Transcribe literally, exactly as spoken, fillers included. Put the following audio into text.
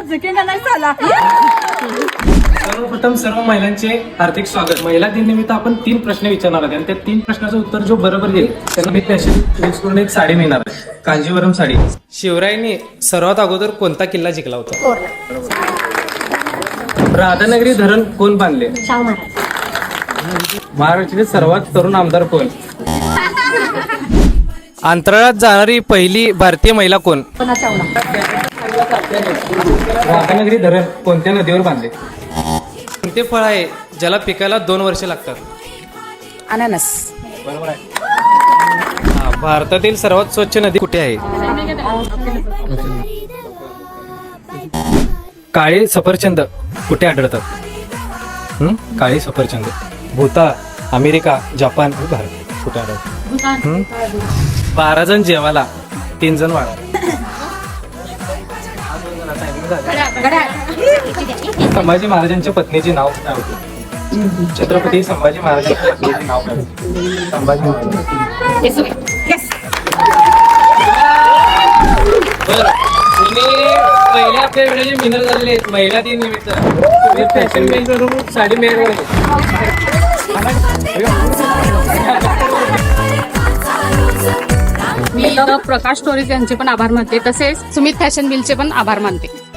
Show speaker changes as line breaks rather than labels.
Second नाही झाला.
सर्वप्रथम सर्व महिलांचे हार्दिक स्वागत. महिला दिन निमित्त आपण तीन प्रश्न विचारणार आहोत आणि त्या तीन प्रश्नाचं उत्तर जो बरोबर देईल त्यांना मी फॅशन फिक्स करून एक साडी मिळणार आहे, कांजीवरम साडी. शिवरायांनी सर्वात अगोदर कोणता किल्ला जिंकला होता? राधानगरी धरण कोण बांधले?
शाहू महाराज.
महाराष्ट्राचे सर्वात तरुण आमदार कोण? अंतराळात जाणारी पहिली भारतीय महिला कोण?
पुन्हा चावला.
राधानगरी धरण कोणत्या नदीवर बांधले? कोणते फळ आहे ज्याला पिकायला दोन वर्षे लागतात?
अननस.
बरोबर आहे. हा, भारतातील सर्वात स्वच्छ नदी कुठे आहे? काळे सफरचंद कुठे आढळतात? हं? काळे सफरचंद भूतान, अमेरिका, जपान आणि भारत कुठे आढळतात? हं? बारा जण जेवायला तीन जण वाढा. संभाजी महाराजांच्या पत्नीचे नाव काय होते? छत्रपती संभाजी महाराजांच्या पत्नीचे नाव काय होते? संभाजी महाराज. तुम्ही पहिल्या आपल्या व्हिडिओचे विनर झालेले आहेत महिला दिन निमित्त. तुम्ही फॅशन मेकरून साडी मिळवली.
मी प्रकाश स्टोरीज यांचे पण आभार मानते, तसेच सुमित फॅशन मिलचे पण आभार मानते.